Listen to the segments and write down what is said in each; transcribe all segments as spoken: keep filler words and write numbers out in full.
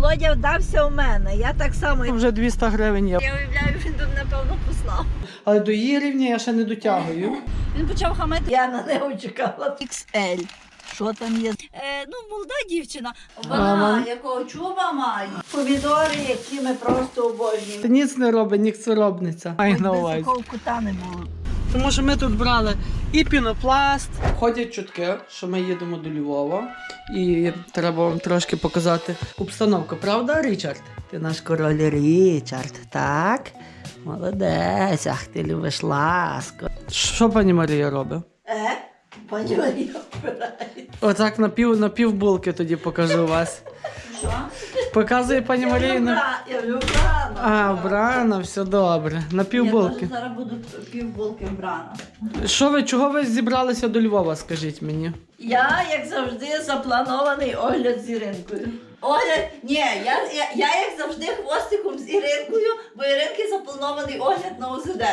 Володя вдався у мене, я так само. Вже двісті гривень є. Я уявляю, він тут, напевно, послав. Але до її рівня я ще не дотягую. Він почав хамити. Я на нього чекала. ікс ель. Що там є? Е, ну, молода дівчина. Вона Мама. якого чуба має. Помідори, які ми просто обожнюємо. Та ніц не робить, ніцеробниця. Маю Хоч на би увазі. такого кута не було. Тому що ми тут брали і пінопласт. Ходять чутки, що ми їдемо до Львова. І треба вам трошки показати обстановку. Правда, Річард? Ти наш король Річард, так? Молодець, ах, ти любиш ласку. Що пані Марія робить? Е? Пані Марія вбирає. Отак на пів, на пів булки тоді покажу вас. Що? Показує пані Марія. на- Я люблю брано. А, вбрана, все добре. На пів Я булки. теж зараз буду пів булки вбрана. Що ви, чого ви зібралися до Львова, скажіть мені? Я, як завжди, запланований огляд з Іринкою. Огляд, ні, я, я, я як завжди хвостиком з Іринкою, бо Іринки запланований огляд на О З Д.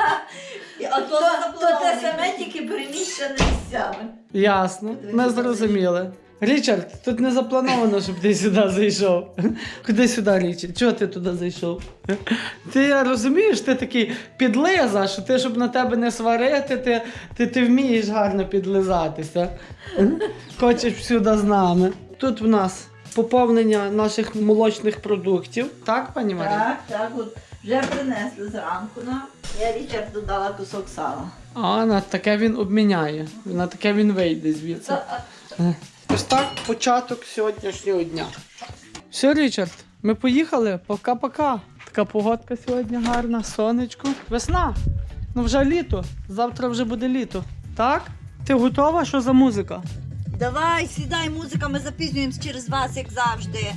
А то, то те саме, тільки переміщене місцями. Ясно, ми зрозуміли. Річард, тут не заплановано, щоб ти сюди зайшов. Куди сюди, Річард? Чого ти туди зайшов? Ти розумієш, ти такий підлиза, що ти, щоб на тебе не сварити, ти, ти, ти вмієш гарно підлизатися. Хочеш сюди з нами. Тут в нас поповнення наших молочних продуктів. Так, пані Марія? Так, так, от вже принесли зранку нам. Я Річарду дала кусок сала. А, на таке він обміняє. На таке він вийде звідси. Ось так початок сьогоднішнього дня. Все, Річард, ми поїхали. Пока-пока. Така погодка сьогодні гарна, сонечко. Весна. Ну вже літо. Завтра вже буде літо. Так? Ти готова? Що за музика? Давай, сідай, музика, ми запізнюємось через вас, як завжди.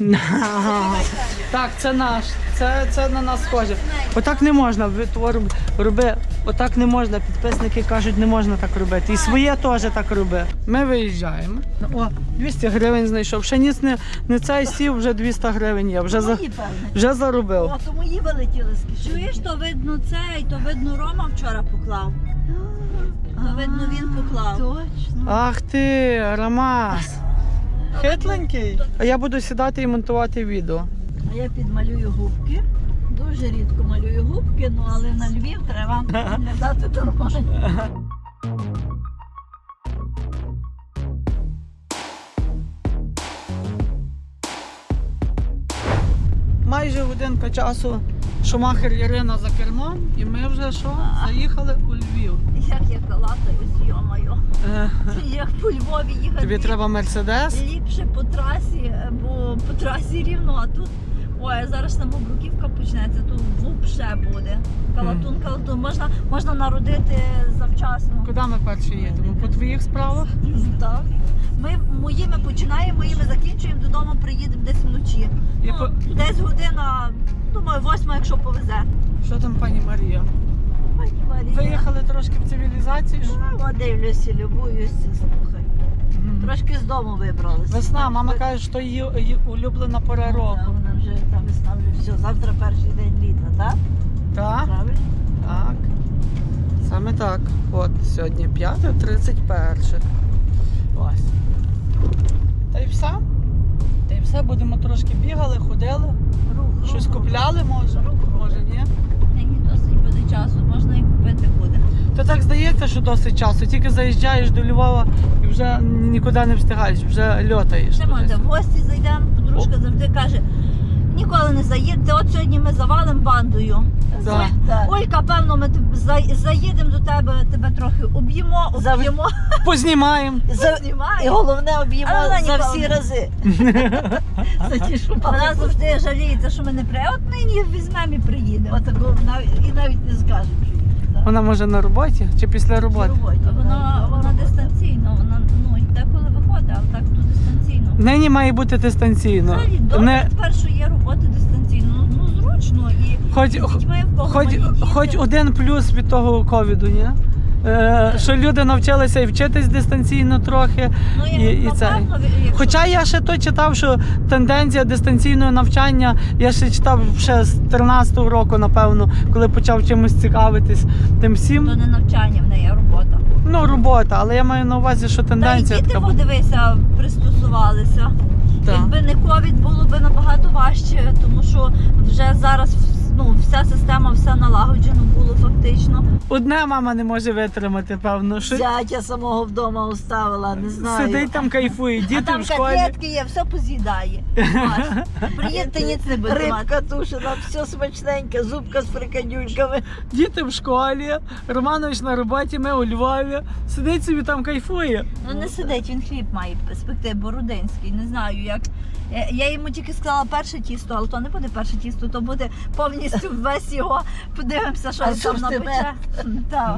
Так, це наш. Це, це на нас схоже. Отак не можна. Ви твор роби. Отак не можна. Підписники кажуть, не можна так робити. І своє теж так роби. Ми виїжджаємо. О, двісті гривень знайшов. Ще ніц не, не цей сів, вже двісті гривень є. Вже, за, Мої, певне. вже заробив. О, то мої вилетіли з кишені. Чуєш, то видно цей, то видно Рома вчора поклав. То видно він поклав. Точно. Ах ти, Рамас. Хитленький. А я буду сідати і монтувати відео. А я підмалюю губки. Дуже рідко малюю губки, ну але на Львів треба виглядати нормально. Майже годинка часу Шумахер Ірина за кермом, і ми вже що? Заїхали у Львів. Як я калатаюсь, йо-моє. Е, Як по Львові їхати. Тобі треба Мерседес? Ліпше по трасі, бо по трасі рівно, а тут, ой, зараз там Бруківка почнеться, тут вупше буде. Калатун, калатун, можна, можна народити завчасно. Куди ми перші їдемо? По твоїх справах? Так. Ми моїми починаємо, моїми закінчуємо, додому приїдемо десь вночі. І Ну, по- десь година, думаю, восьма, якщо повезе. Що там, пані Марія? Пані Марія. Виїхали трошки в цивілізацію? О, дивлюся, любуюся, слухай. Мгм. Трошки з дому вибралися. Весна, мама каже, що її, її улюблена пора Ну, року. да, вона вже, та весна вже все, завтра перший день літа, так? Так? Правильно? Так. Саме так. От сьогодні п'яте тридцять перше. Ось. Та й все. Та й все, будемо трошки бігали, ходили. Рух, Щось рух, купляли, може? Рух, рух. Може, ні? Нині досить буде часу, можна і купити буде. То так здається, що досить часу. Тільки заїжджаєш до Львова і вже нікуди не встигаєш, вже льотаєш. Ще можна, в гості зайдемо, подружка завжди каже, ніколи не заїдете, от сьогодні ми завалимо бандою. Да. Олька, певно, ми тоб- за- заїдемо до тебе, тебе трохи об'ємо, об'ємо, Познімаємо. знімаємо. І головне об'ємо за всі рази. Вона завжди жаліється, що ми не приїдемо. От нині візьмемо і приїдемо. Отаку, і навіть не скажемо, що їдемо. Вона може на роботі чи після роботи? Вона, вона дистанційно, вона ну, деколи виходить, але так то дистанційно. Нині має бути дистанційно. Взагалі, добре, Не, спершу є роботи дистанційно, ну, ну зручно і хоч, з дітьми в кого хоч, малі діти. хоч один плюс від того ковіду, ні? Е, що люди навчилися і вчитись дистанційно трохи. Ну, і, і це. напевно, якщо- Хоча я ще то читав, що тенденція дистанційного навчання, я ще читав ще з тринадцятого року, напевно, коли почав чимось цікавитись тим всім. То не навчання в неї, а робота. Ну, робота, але я маю на увазі, що Та й тенденція діти, така буде. подивися, пристосувалися. Так. Якби не ковід, було б набагато важче, тому що вже зараз ну, вся система, все налагоджено було фактично. Одна мама не може витримати, певно. Що... Зятя самого вдома оставила, не знаю. Сидить там, кайфує, діти а там в школі. котлетки є, все поз'їдає. Маш, приїдьте, ніц не буде мати. Рибка тушена, все смачненьке, зубка з фрикадюльками. Діти в школі, Романович на роботі, ми у Львові. Сидить собі там, кайфує. Ну не сидить, він хліб має спекти, бородинський, не знаю як. Я- Я йому тільки сказала перше тісто, але то не буде перше тісто, то буде повністю весь його. Подивимося, що А він там сортимент. напече. Так.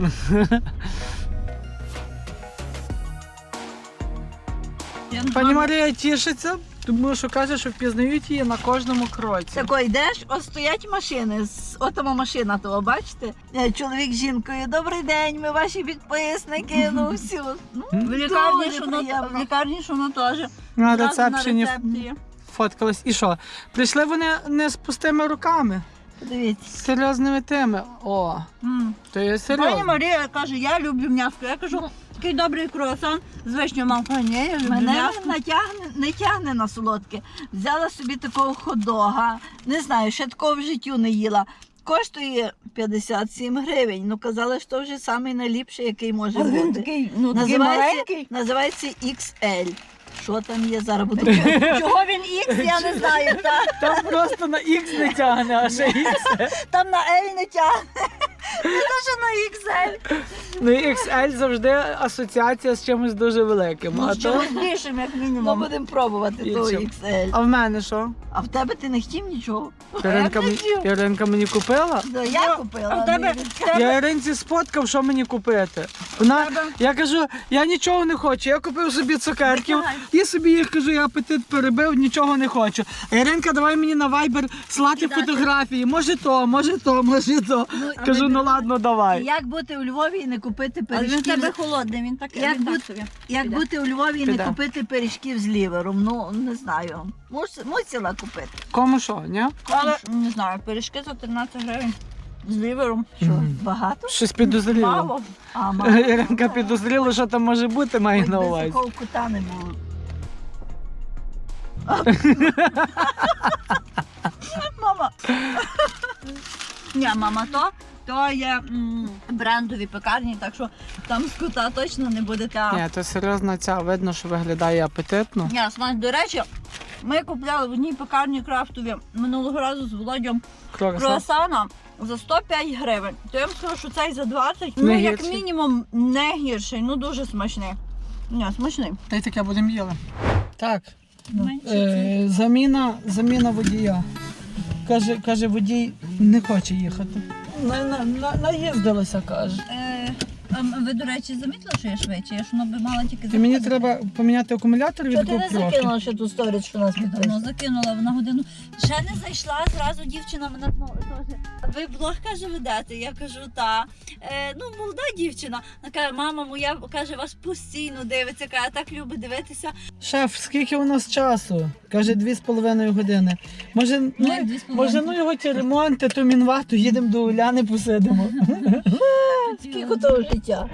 Пані Марія тішиться, тому що каже, що впізнають її на кожному кроці. Тако йдеш, ось стоять машини, з- отома машина того, бачите? Е, Чоловік з жінкою, добрий день, ми ваші підписники, ну всі. Ну, В лікарні, дуже що воно, приємно. в лікарні, що воно теж. На Зразу рецепшені на рецепції. фоткались. І що? Прийшли вони не з пустими руками, Подивіться. з серйозними тими. О, М. то є Пані серйозно. Марія каже, я люблю м'ясо. Я кажу, такий добрий круасан з вишнею. Мама каже, ні, я люблю Мене м'ясо. натягне, не тягне на солодке. Взяла собі такого хот-дога, не знаю, ще такого в життю не їла. Коштує п'ятдесят сім гривень. Ну казали, що вже самий найліпший, який може Але він бути. такий, ну, такий Називається, маленький. називається ікс ель. Що там є зараз? Буду Чого він ікс, я не знаю. Та. Там просто на ікс не тягне, а ще ікс. Там на ель не тягне. Не те, що на ікс ель. Ну ікс ель завжди асоціація з чимось дуже великим. Ну, А, з то... чимось більшим, як Ну, мінімум. будемо пробувати І того що? ікс ель. а в мене що? А в тебе ти не хотів нічого? Яринка, Я мені- хотів. Яринка мені купила? Да, я купила. А в тебе, ну, в тебе Я Яринці сфоткав, що мені купити. Вона, я кажу, я нічого не хочу. Я купив собі цукерків, і собі їх кажу, я апетит перебив, нічого не хочу. А Яринка, давай мені на Viber слати Кидати. фотографії. Може то, може то, може то. Кажу, ну ладно, давай. Як бути у Львові і не купити але він в пиріжків? тебе з- холодний, він так, Як він так бути- собі. Як Піде. бути у Львові і не Піде. купити пиріжків з лівером? Ну, не знаю. Мус- Мусила купити. Кому що, ні? Але, не знаю, пиріжки за тринадцять гривень з лівером. Що, багато? Щось підозріло. Мало. А, мало. Яринка підозріла, що там може бути, має Хоч на би увазі. такого кута не було. Мама. Ні, мама, то, то є м, брендові пекарні, так що там з кута точно не буде та. Ні, то серйозно ця, видно, що виглядає апетитно. Ні, смак, до речі, ми купляли в одній пекарні крафтові минулого разу з Володьом Круасан. круасана за сто п'ять гривень. То я вам скажу, що цей за двадцять, Не ну як гірший? мінімум не гірший, ну дуже смачний. Ні, смачний. Та й таке будемо їли. Так, Менше е, заміна, заміна водія. Каже, каже, водій не хоче їхати. На, на, на, наїздилася, каже. Е, ем, ви, до речі, замітили, що я швидше? Я ж воно би мала тільки І мені заходити. треба поміняти акумулятор від Що ти не GoPro. закинула ще ту сторіс, що нас Ну, підписує? закинула на годину. Ще не зайшла, зразу дівчина мене ну, теж. Ви блог, каже, ведете? Я кажу, та. Е, ну, молода дівчина. Вона каже, мама моя, каже, вас постійно дивиться, каже, так любить дивитися. Шеф, скільки у нас часу? Каже, дві з половиною години. Може, ну, Ну, дві з половиною. може, ну його ті ремонти, то мінвату, їдемо до Уляни, посидимо. Скільки того життя?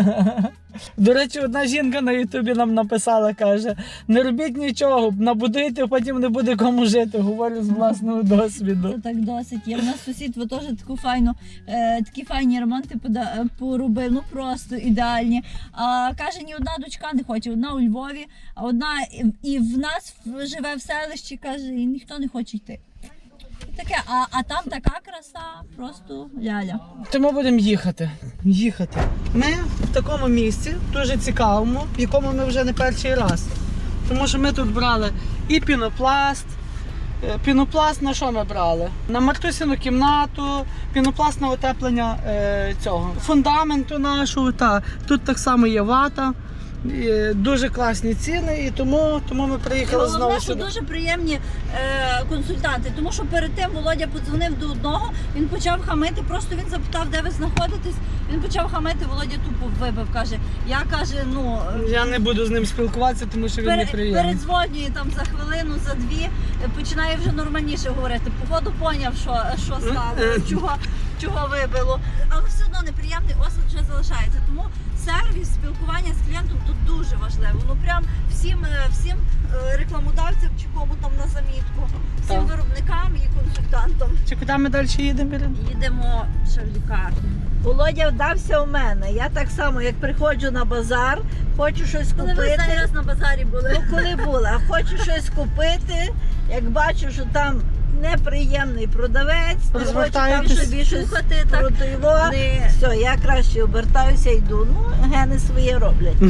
До речі, одна жінка на Ютубі нам написала, каже, не робіть нічого, набудуйте, потім не буде кому жити. Говорю з власного досвіду. Це так досить. Є в нас сусід, ви теж таку файну, е, такі файні ремонти пода- поробив, ну просто ідеальні. А каже, ні одна дочка не хоче, одна у Львові, а одна і- і в нас живе в селищі, каже, і ніхто не хоче йти. І таке, а, а там така краса, просто ляля. Тому будемо їхати. Їхати. Ми в такому місці, дуже цікавому, в якому ми вже не перший раз. Тому що ми тут брали і пінопласт. Е, Пінопласт на що ми брали? На Мартусіну кімнату, пінопласт на утеплення е, цього фундаменту нашого. Та. Тут так само є вата. І дуже класні ціни, і тому, тому ми приїхали Головне, знову що сюди. дуже приємні е, консультанти, тому що перед тим Володя подзвонив до одного, він почав хамити, просто він запитав, де ви знаходитесь, він почав хамити, Володя тупо вибив, каже, я каже, ну... Я не буду з ним спілкуватися, тому що він Пере, неприємний. передзвонює там за хвилину, за дві, е, починає вже нормальніше говорити. Походу поняв, що, що стало, чого. чого вибило. Але все одно неприємний осад вже залишається. Тому сервіс, спілкування з клієнтом тут дуже важливо. Ну прям всім, е, всім е, рекламодавцям чи кому там на замітку, всім Так. виробникам і консультантам. Чи куди ми далі їдемо, Ірин? Їдемо ще в лікарню. Володя вдався у мене. Я так само, як приходжу на базар, хочу щось Коли ви купити. останній раз на базарі були? Ну, коли була, хочу щось купити, як бачу, що там неприємний продавець, не хочу там Розвертаєтесь? собі щось Слухати так противо. не... Все, я краще обертаюся, йду. Ну, гени своє роблять.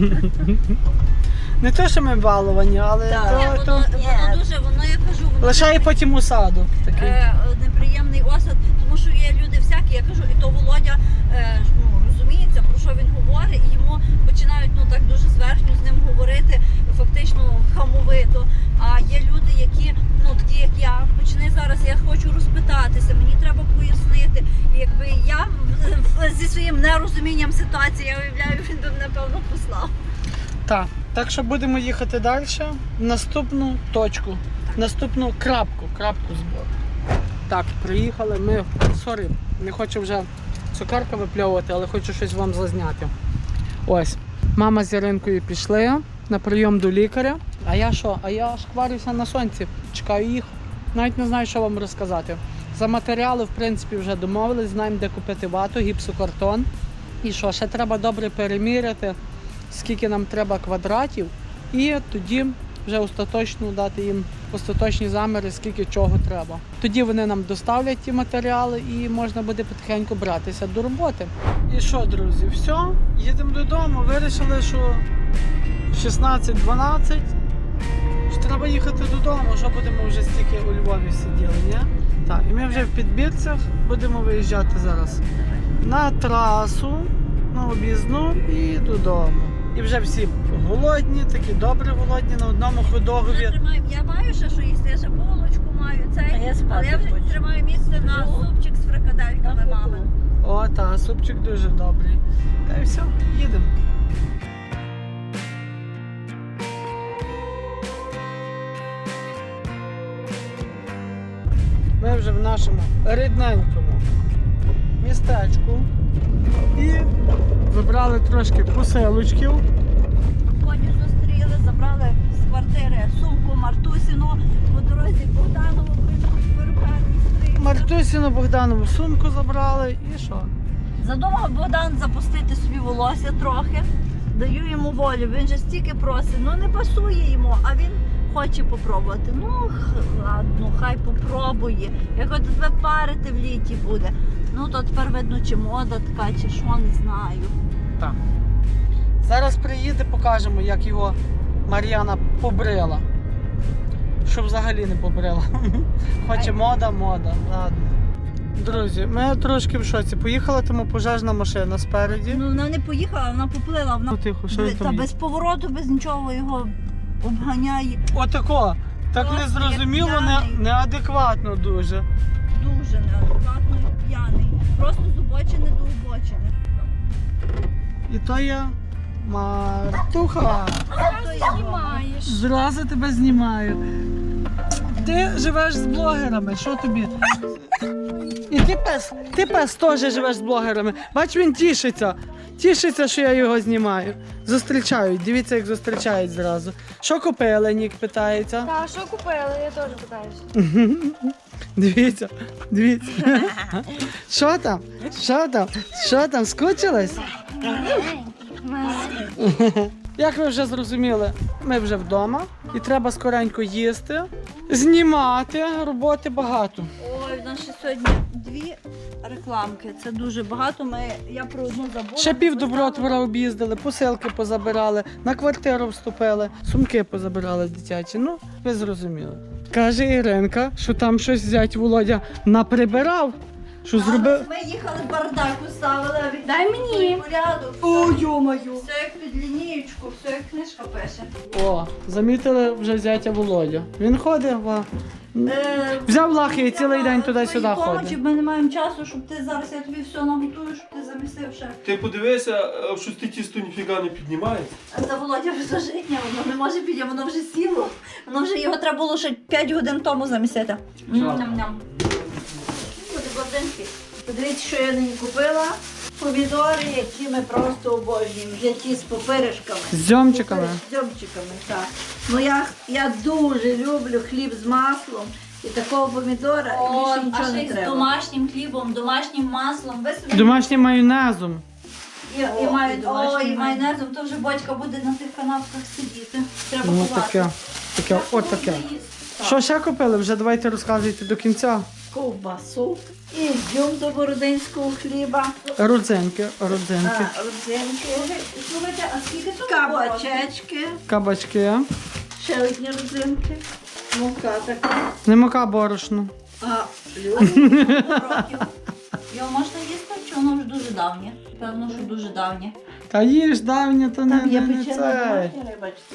Не те, що ми баловані, але Так. то, Ні, то... воно, Ні. воно дуже, воно я кажу, воно лишає потім у саду. Такий. е, неприємний осад, тому що є люди всякі, я кажу, і то Володя е, ну, розуміється, про що він говорить, і йому починають ну так дуже зверхньо з ним говорити, фактично хамовито. А є люди, які, ну такі як я, почни зараз, я хочу розпитатися, мені треба пояснити. І якби я в- в- зі своїм нерозумінням ситуації, я уявляю, він би, напевно, послав. Так, так що будемо їхати далі. Наступну точку, наступну крапку, крапку збору. Так, приїхали ми. Сорі, не хочу вже цукерка випльовувати, але хочу щось вам зазняти. Ось, мама з Яринкою пішли на прийом до лікаря. А я що? А я шкварюся на сонці, чекаю їх. Навіть не знаю, що вам розказати. За матеріали, в принципі, вже домовились, знаємо, де купити вату, гіпсокартон. І що, ще треба добре переміряти, скільки нам треба квадратів, і тоді вже остаточно дати їм остаточні заміри, скільки чого треба. Тоді вони нам доставлять ті матеріали і можна буде потихеньку братися до роботи. І що, друзі, все, їдемо додому. Вирішили, що шістнадцять дванадцять, що треба їхати додому, що будемо вже стільки у Львові сиділи, ні? Так, і ми вже в Підбірцях будемо виїжджати зараз на трасу, на об'їзну і додому. І вже всі голодні, такі добре голодні, на одному Вже ходогові. тримаю, я маю ще що їсти, я ще булочку маю, цей, А я спати але я вже хочу. тримаю місце на супчик з фрикадельками мами. О, та, супчик дуже добрий. Та й все, їдемо. Ми вже в нашому рідненькому містечку і вибрали трошки посилочків. Коні зустріли, забрали з квартири сумку Мартусіну, по дорозі Богданову перукарні стриг. Мартусіну Богданову сумку забрали і що? Задумав Богдан запустити собі волосся трохи. Даю йому волю, він же стільки просить, ну не пасує йому, а він хоче попробувати. Ну х- ладно, хай попробує. Як от тебе парити в літі буде. Ну то тепер видно, чи мода така, чи що, не знаю. Так. Зараз приїде, покажемо, як його Мар'яна побрила. Щоб взагалі не побрила. Хоче мода, мода. Ладно. Друзі, ми трошки в шоці. Поїхала тому пожежна машина спереді. Ну вона не поїхала, вона поплила, вона Ну тихо, що він та там? без повороту, без нічого його обганяє. Отако. Так Просто незрозуміло, як не, п'яний. неадекватно дуже. Дуже неадекватно і п'яний. Просто з обочини до обочини. І то я Мартуха. То я знімаєш. Зразу тебе знімаю. Ти живеш з блогерами, що тобі? І ти пес, ти пес теж живеш з блогерами. Бач, він тішиться. Тішиться, що я його знімаю. Зустрічають, дивіться, як зустрічають зразу. Що купили, Нік питається. Та, що купили? Я теж питаюся. Дивіться, дивіться. Що там? Що там? Що там? Скучились? Як ви вже зрозуміли, ми вже вдома і треба скоренько їсти, знімати, роботи багато. Ой, в нас ще сьогодні дві рекламки. Це дуже багато. Ми, я про одну забула. Ще пів Добротвора об'їздили, посилки позабирали, на квартиру вступили, сумки позабирали дитячі. Ну, ви зрозуміли. Каже Іринка, що там щось зять Володя наприбирав, що зробив. Ми їхали, бардак уставили, а він Дай мені. порядок. О, йо-моє! Все як під лінієчку, все як книжка пише. О, замітили вже зятя Володя. Він ходить, ва. Е, Взяв лахи і цілий день туди-сюди твоїй помочі, ходить. Ми не маємо часу, щоб ти зараз, я тобі все наготую, щоб ти замісив ще. Ти подивися, а щось ти тісто ніфіга не піднімається. А це Володя вже житня, воно не може піде, воно вже сіло. Воно вже його треба було ще п'ять годин тому замісити. Жалко. Ням-ням. Буде блаженський. Подивіться, що я нині купила. Помідори, які ми просто обожнюємо. Вже ті з попиришками. З дзьомчиками. З дзьомчиками, так. Ну я, я дуже люблю хліб з маслом. І такого помідора О, більше а нічого ще не й з треба. домашнім хлібом, домашнім маслом. Ви собі Домашнім майонезом. І, О, і, маю, і домашній о, і майонезом, то вже батька буде на тих канапках сидіти. Треба Ну ховати. таке. Таке, от таке. Так. Що ще купили? Вже давайте розказуйте до кінця. Ковбасу і дюм до бородинського хліба. Родзинки, родзинки, А, родзинки, Слухайте, а скільки тут кабачечки, кабачки, ще одні родзинки, мука така. не мука борошно. А, років? Його можна їсти, чи воно вже дуже давнє? Певно, що дуже давнє. Та їж давнє, то не, там є не, не печена це. домашня рибачка.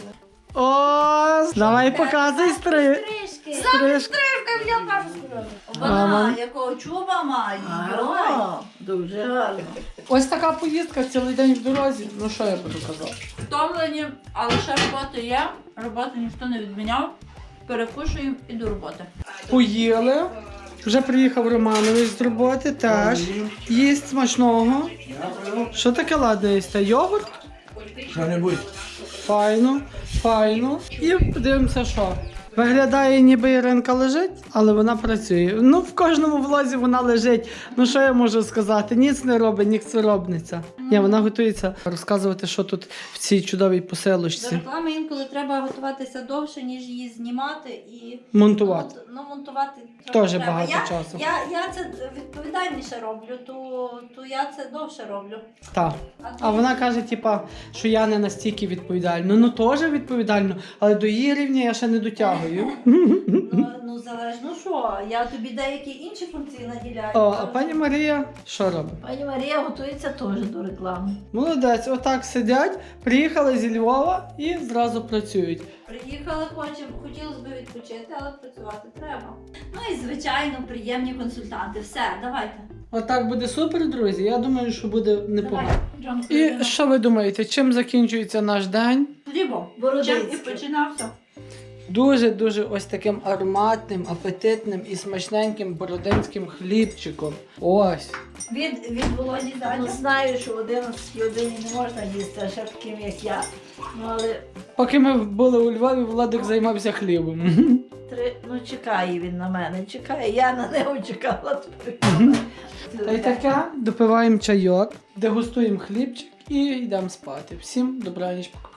О, давай показуй стри. Трішки. Стрижка. Я кажу сказала. Вона Ага. якого чуба має. Йой. Ага, дуже гарно. Ось така поїздка цілий день в дорозі. Ну що я буду казати? Втомлені, але ще роботи є. Роботу ніхто не відміняв. Перекушуємо і до роботи. Поїли. Вже приїхав Романович з роботи теж. Їсть смачного. Що таке ладне їсти? Йогурт? Що-небудь. Файно, файно. І подивимося, що. Виглядає, ніби Іринка лежить, але вона працює. Ну, в кожному влозі вона лежить. Ну, що я можу сказати? Ніц не робить, ніцеробниця. Ні, вона готується розказувати, що тут в цій чудовій До поселочці. реклами інколи треба готуватися довше, ніж її знімати і Монтувати. Ну, монтувати Теж треба. багато я, часу. Я, я це відповідальніше роблю, то, то я це довше роблю. Так. А вона каже, типа, що я не настільки відповідальна. Ну, теж відповідально, але до її рівня я ще не дотягую. Ну, ну залежно що, я тобі деякі інші функції наділяю. О, а пані Марія що робить? Пані Марія готується теж до реклами. Молодець, отак сидять, приїхали зі Львова і зразу працюють. Приїхали, хочемо, хотілося б відпочити, але працювати треба. Ну і звичайно, приємні консультанти. Все, давайте. Отак буде супер, друзі. Я думаю, що буде непогано. Давай, Джон, І Крістіна. що ви думаєте, чим закінчується наш день? Хлібом. Бородинський. Чим і починався. Дуже-дуже ось таким ароматним, апетитним і смачненьким бородинським хлібчиком. Ось. Від, від Володі Ну, далі. знаю, що в одинадцятій годині не можна їсти, а ще таким, як я. Ну, але Поки ми були у Львові, Владик займався хлібом. три... ну, чекає він на мене, чекає, я на нього чекала. Та й таке, допиваємо чайок, дегустуємо хлібчик і йдемо спати. Всім добраніч, пока.